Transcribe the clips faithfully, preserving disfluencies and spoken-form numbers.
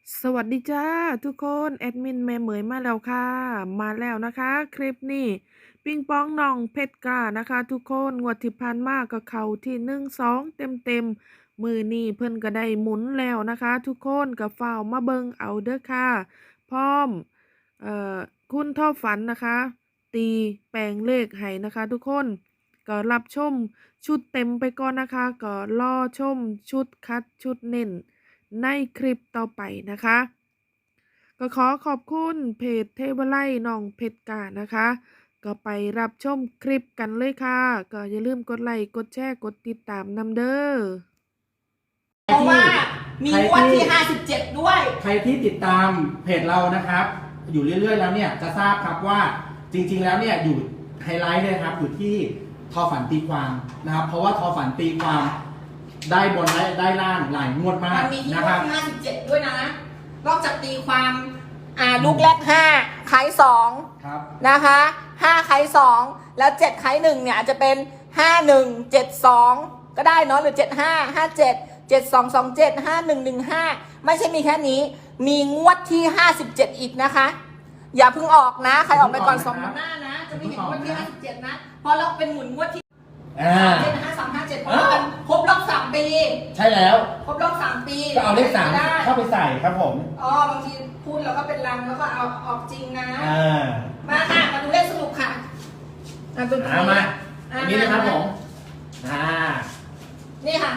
สวัสดีจ้าทุกคนแอดมินแม่เหมยมาแล้วค่ะมาแล้วนะคะคลิปนี้ปิงปองน้องเพชรกล้านะคะทุกคนงวดที่ผ่านมาก็เข้าที่หนึ่งสองเต็มเต็มมือนี่เพิ่นก็ได้หมุนแล้วนะคะทุกคนกับฝ้าวมาเบิงเอาเด้อค่ะพร้อมเอ่อคุณท่อฝันนะคะตีแปลงเลขให้นะคะทุกคนก็รับชมชุดเต็มไปก่อนนะคะก็รอชมชุดคัดชุดเน้นในคลิปต่อไปนะคะ ก็ขอขอบคุณเพจเทวไลน้องเพชรกานะคะ ก็ไปรับชมคลิปกันเลยค่ะ ก็อย่าลืมกดไลค์กดแชร์กดติดตามนำเด้อเพราะว่ามีงวดที่ห้าสิบเจ็ดด้วยใครที่ติดตามเพจเรานะครับ อยู่เรื่อยๆแล้วเนี่ยจะทราบครับว่าจริงๆแล้วเนี่ยอยู่ไฮไลท์เลยครับอยู่ที่ทอฝันตีความนะครับ เพราะว่าทอฝันตีความได้บนได้ได้ล่างหลายงวดมากมันมีที่นะงคว รัดบที่ห้าสิบเจ็ดด้วยนะนอกจากตีความอ่าลูกแรกห้าไข่สองครับนะคะห้าไข่สองแล้วเจ็ดไข่หนึ่งเนี่ยอาจจะเป็นห้าหนึ่งเจ็ดสองก็ได้เนาะหรือเจ็ดห้าห้าเจ็ดเจ็ดสองสองเจ็ดห้าหนึ่งหนึ่งห้าไม่ใช่มีแค่นี้มีงวดที่ห้าสิบเจ็ดอีกนะคะอย่าเพิ่งออกนะใครออกไปก่อนสองหน้านะจะไม่เห็นงวดที่ห้าสิบเจ็ดนะพอเราเป็นหมุนงวดที่เจ็ดห้าสามห้าเจ็ดเพราะว่ามันครบรอบสามปีใช่แล้วครบรอบสามปีก็เอาเลขสามเข้าไปใส่ครับผมอ๋อบางทีพูดแล้วก็เป็นลังแล้วก็เอาออกจริงนะมาค่ะมาดูเลขสรุปค่ะอ่าตัวนี้มาอันนี้นะครับผมอ่านี่ค่ะ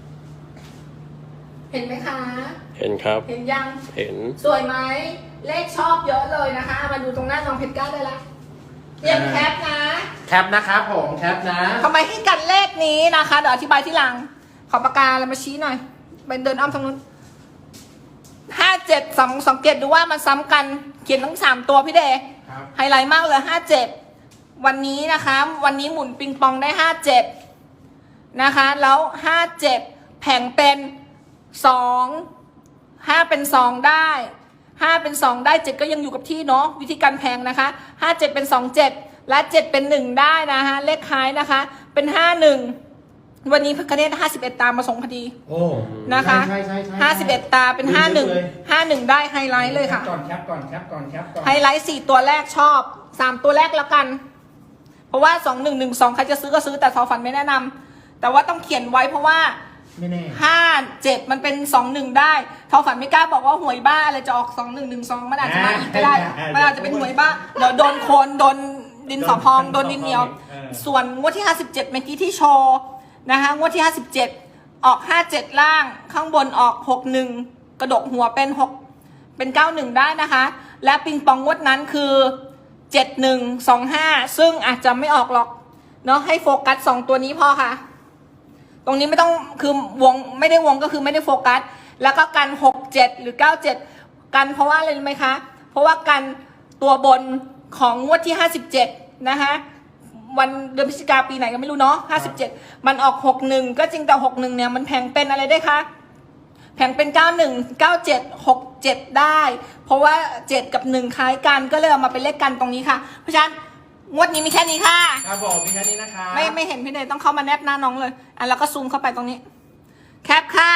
เห็นไหมคะเห็นครับเห็นยังเห็นสวยไหมเลขชอบเยอะเลยนะคะมาดูตรงหน้าน้องเพชรก้าได้ละเตรียมแคปนะแคปนะครับผมแคปนะทำไมให้กันเลขนี้นะคะเดี๋ยวอธิบายที่หลังขอปากกาแล้วมาชี้หน่อยเป็นเดินอ้อมทางนู้นห้าเจ็ดสองสังเกตดูว่ามันซ้ำกันเขียนทั้งสามตัวพี่เดย์ไฮไลท์มากเลยห้าเจ็ดวันนี้นะคะวันนี้หมุนปิงปองได้ห้าเจ็ดนะคะแล้วห้าเจ็ดแผงเป็นสองห้าเป็นสองได้ห้าเป็นสองได้เจ็ดก็ยังอยู่กับที่เนาะวิธีการแพงนะคะห้าเจ็ดเป็นสองเจ็ดและเจ็ดเป็นหนึ่งได้นะคะเลขท้ายนะคะเป็นห้าหนึ่งวันนี้พระคเนศห้าสิบเอ็ดตามาส่งพอดีโอ้นะคะใช่ใช่ใช่ห้าสิบเอ็ดตาเป็นห้าหนึ่งห้าหนึ่งได้ไฮไลท์เลยค่ะก่อนแคปก่อนแคปก่อนแคปก่อนไฮไลท์สี่ตัวแรกชอบสามตัวแรกแล้วกันเพราะว่าสองหนึ่งหนึ่งสองใครจะซื้อก็ซื้อแต่ทอฝันไม่แนะนำแต่ว่าต้องเขียนไว้เพราะว่าห้าเจ็ดมันเป็นสองหนึ่งได้ทอฝันไม่กล้าบอกว่าหวยบ้าอะไรจะออกสองหนึ่งหนึ่งสองมันอาจจะมาอีกก็ได้มันอาจจะเป็นหวยบ้าเดี๋ยวโดนโคนโดนดินสอพองโดนดินเหนียวส่วนงวดที่ห้าสิบเจ็ดเมื่อกี้ที่โชว์นะคะงวดที่ห้าสิบเจ็ดออกห้าเจ็ดล่างข้างบนออกหกหนึ่งกระดกหัวเป็นหกเป็นเก้าหนึ่งได้นะคะและปิงปองงวดนั้นคือเจ็ดหนึ่งสองห้าซึ่งอาจจะไม่ออกหรอกเนาะให้โฟกัสสองตัวนี้พอค่ะตรงนี้ไม่ต้องคือวงไม่ได้วงก็คือไม่ได้โฟกัสแล้วก็กันหกเจ็ดหรือเก้าเจ็ดกันเพราะว่าอะไรรู้ไหมคะเพราะว่ากันตัวบนของงวดที่ห้าสิบเจ็ดนะคะวันเดือนพฤศจิกาปีไหนก็ไม่รู้เนาะห้าสิบเจ็ดมันออกหกหนึ่งก็จริงแต่หกหนึ่งเนี่ยมันแพงเป็นอะไรได้คะแพงเป็นเก้าหนึ่ง เก้าเจ็ด หกเจ็ดได้เพราะว่าเจ็ดกับหนึ่งคล้ายกันก็เลยเอามาเป็นเลขกันตรงนี้ค่ะเพราะฉะนั้นงวดนี้มีแค่นี้ค่ะครับผมมีแค่นี้นะคะไม่ไม่เห็นพี่เนยต้องเข้ามาแนบหน้าน้องเลยอ่ะแล้วก็ซูมเข้าไปตรงนี้แคปค่ะ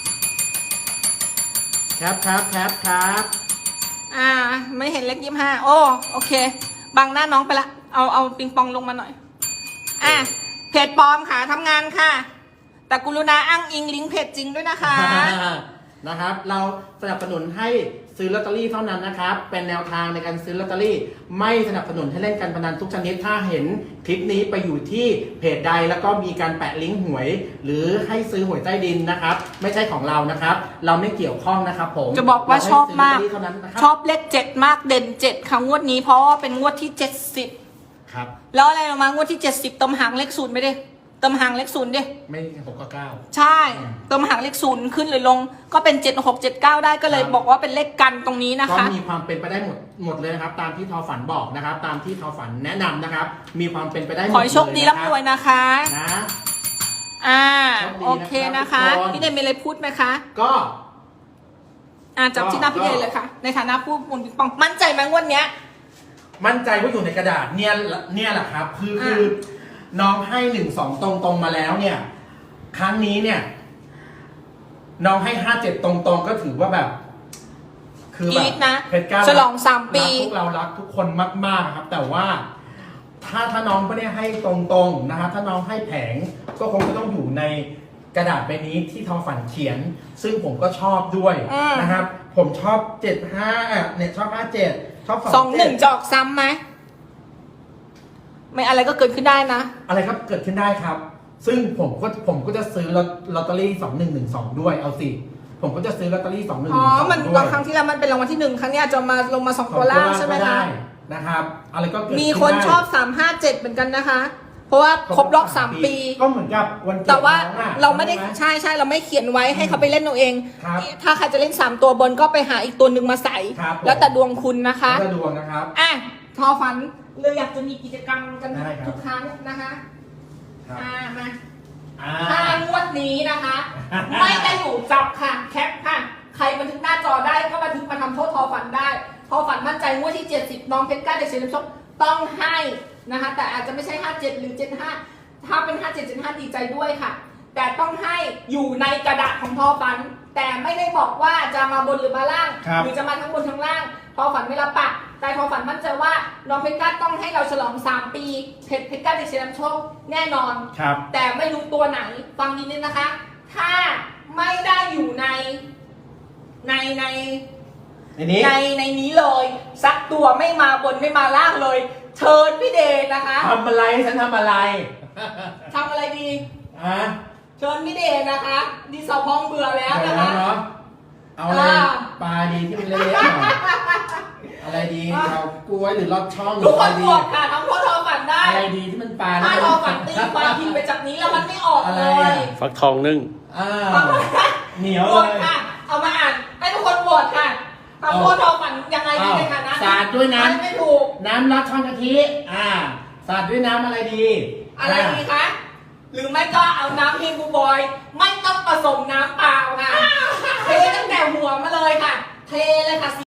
แคปครับแคปครับอ่าไม่เห็นเลขยี่สิบห้าโอ้โอเคบังหน้าน้องไปละเอาเอาปิงปองลงมาหน่อยอ่ะเพจปลอมค่ะทำงานค่ะแต่กรุณาอ้างอิงลิงก์เพจจริงด้วยนะคะนะครับเราสนับสนุนให้ซื้อลอตเตอรี่เท่านั้นนะครับเป็นแนวทางในการซื้อลอตเตอรี่ไม่สนับสนุนให้เล่นการพนันทุกชนิดถ้าเห็นคลิปนี้ไปอยู่ที่เพจใดแล้วก็มีการแปะลิงก์หวยหรือให้ซื้อหวยใต้ดินนะครับไม่ใช่ของเรานะครับเราไม่เกี่ยวข้องนะครับผมจะบอกว่าชอบมากชอบเลขเจ็ดมากเด่นเจ็ดค่ะงวดนี้เพราะว่าเป็นงวดที่เจ็ดสิบครับแล้วอะไรมางวดที่เจ็ดสิบเติมหางเลขศูนย์ไม่ได้เติมหางเลขศูนย์ดิไม่หกกับเก้าใช่เติมหางเลขศูนย์ขึ้นหรือลงก็เป็นเจ็ดหกเจ็ดเก้าได้ก็เลยบอกว่าเป็นเลขกันตรงนี้นะคะก็มีความเป็นไปได้หมดหมดเลยนะครับตามที่ทอฝันบอกนะครับตามที่ทอฝันแนะนำนะครับมีความเป็นไปได้หมดเลยขอให้โชคดีร่ำรวยนะคะนะอ่าโอเคนะคะพี่เดนมีอะไรพูดไหมคะก็อ่าจับที่หน้าพี่เดนเลยค่ะในฐานะผู้หมุนปิงปองมั่นใจไหมงวดเนี้ยมั่นใจว่าอยู่ในกระดาษเนี่ยเนี่ยแหละครับคือคือน้องให้หนึ่งสองตรงตรงมาแล้วเนี่ยครั้งนี้เนี่ยน้องให้ห้าเจ็ดตรงตรงก็ถือว่าแบบคือก แบรี๊บดนะเพชรกล้าฉลองสามปีรักพวกเรารักทุกคนมากๆครับ แต่ว่าถ้าถ้าน้องไม่ได้ให้ตรงๆนะครับถ้าน้องให้แผงก็คงจะต้องอยู่ในกระดาษใบนี้ที่ทอฝันเขียน ซึ่งผมก็ชอบด้วยอืมนะครับ ผมชอบเจ็ดห้าเนี่ยชอบห้าเจ็ดชอบสสออง งหนึ่งจะออกซ้ำไหมไม่อะไรก็เกิดขึ้นได้นะอะไรครับเกิดขึ้นได้ครับ ซึ่งผมก็ผมก็จะซื้อลอตลอตเตอรี่สองหนึ่งหนึ่งสองด้วยเอาสิผมก็จะซื้อลอตเตอรี่สองหนึ่งหอ๋อนึ่งสองมันด้วยครั้งที่แล้วมันเป็นรางวัลที่หนึ่งครั้งนี้อาจจะมาลงมาสองตัวล่างใช่ไหมก็คะด้นะครับ อะไรก็เกิดมีขึ้คนได้ชอบสามห้าเจ็ดเหมือนกันนะคะ เพราะว่าครบรอบสามปีก็เหมือนกับวันเกิดแต่ว่าน้องอะเราไม่ได้ใช่หใช่ใช่เราไม่เขียนไว้ให้เขาไปเล่นเอาเองครับถ้าใครจะเล่นสามตัวบนก็ไปหาอีกตัวหนึ่งมาใส่ครับผมแล้วแต่ดวงคุณนะคะแล้วก็ดวงนะครับอ่ะทอฝันเลยอยากจะมีกิจกรรมกันได้ครับทุกครั้งนะคะครับอ่ามาอ่าถ้างวดนี้นะคะ ไม่ได้อยู่จับค่ะแคปค่ะ ใครบันทึกหน้าจอได้ก็บันทึกมาทำโทษทอฝันได้ทอฝันมั่นใจงวดที่เจ็ดสิบน้องเพชรกล้าเด็กเฉลิมโชคต้องให้นะคะ แต่อาจจะไม่ใช่ห้าเจ็ดหรือเจ็ดห้าถ้าเป็นห้าเจ็ดเจ็ดห้าดีใจด้วยค่ะ แต่ต้องให้อยู่ในกระดาษของทอฝัน แต่ไม่ได้บอกว่าจะมาบนหรือมาล่างครับหรือจะมาทั้งบนทั้งล่างทอฝันไม่รับปากแต่ทอฝันมั่นใจว่าน้องเพชรกล้าต้องให้เราฉลองสามปีเพชรเพชรกล้าเด็กเฉลิมโชคแน่นอนครับแต่ไม่รู้ตัวไหนฟังนิดนึงนะคะ ถ้าไม่ได้อยู่ในในในในนี้ในในนี้เลย สักตัวไม่มาบนไม่มาล่างเลย เชิญพี่เดชนะคะทำอะไรฉันทำอะไรทำอะไรดีอ่ะเชิญพี่เดชนะคะดีสอพองเบื่อแล้วเดี๋ยนะวนะคะ เนาะเอาอะไรอ่าปลาดีที่มันเละๆหน่อยอะไรดีเอากล้วยหรือลอดช่องหรืทุอกคอะไรนดีโหวตค่ะทั้งพ่อทอฝันได้อะไรดีที่มันปลาถ้าแล้วทอฝันตีความพิมพ์ไปจากนี้แล้วมันไม่ออกอะไรเลยอ่ะฟักทองนึ่งอ่าฟังนะเหนียวโหวเลตยค่ะ เอามาอ่านให้ทุกคนโหวตค่ะทำพ่อทอฝันยังไงดีในฐานะสาดด้วยน้ไม่ถูกำน้ำรัดช่องกะทิอ่าสาดด้วยน้ำอะไรดีอะไรดีคะ หรือไม่ก็เอาน้ำเฮงบูบอย ไม่ต้องผสมน้ำเปล่าค่ะ เทตั้งแต่หัวมาเลยค่ะ เทเลยค่ะ